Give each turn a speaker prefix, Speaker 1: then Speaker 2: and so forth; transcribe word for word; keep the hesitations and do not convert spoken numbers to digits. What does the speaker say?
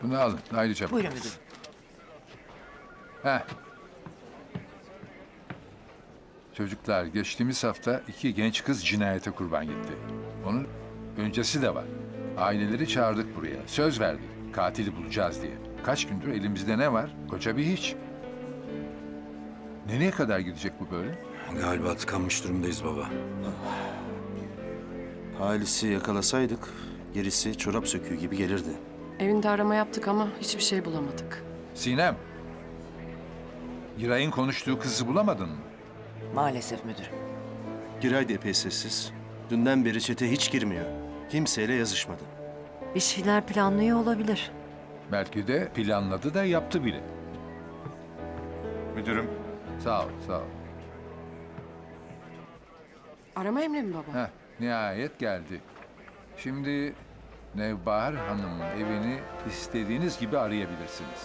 Speaker 1: Bunu alın. Haydi çabuk.
Speaker 2: Buyurun müdürüm.
Speaker 1: Heh. Çocuklar, geçtiğimiz hafta iki genç kız cinayete kurban gitti. Onun öncesi de var. Aileleri çağırdık buraya. Söz verdik. Katili bulacağız diye. Kaç gündür elimizde ne var? Koca bir hiç. Nereye kadar gidecek bu böyle?
Speaker 3: Galiba tıkanmış durumdayız baba.
Speaker 4: Halis'i yakalasaydık gerisi çorap söküğü gibi gelirdi.
Speaker 5: Evinde arama yaptık ama hiçbir şey bulamadık.
Speaker 1: Sinem. Giray'ın konuştuğu kızı bulamadın mı?
Speaker 2: Maalesef müdürüm.
Speaker 4: Giray da epey sessiz. Dünden beri çete hiç girmiyor. Kimseyle yazışmadı.
Speaker 6: Bir şeyler planlıyor olabilir.
Speaker 1: Belki de planladı da yaptı bile.
Speaker 7: Müdürüm,
Speaker 1: Sağ ol, sağ ol.
Speaker 5: Arama emri mi baba?
Speaker 1: Heh, nihayet geldi. Şimdi Nevbahar Hanım'ın evini istediğiniz gibi arayabilirsiniz.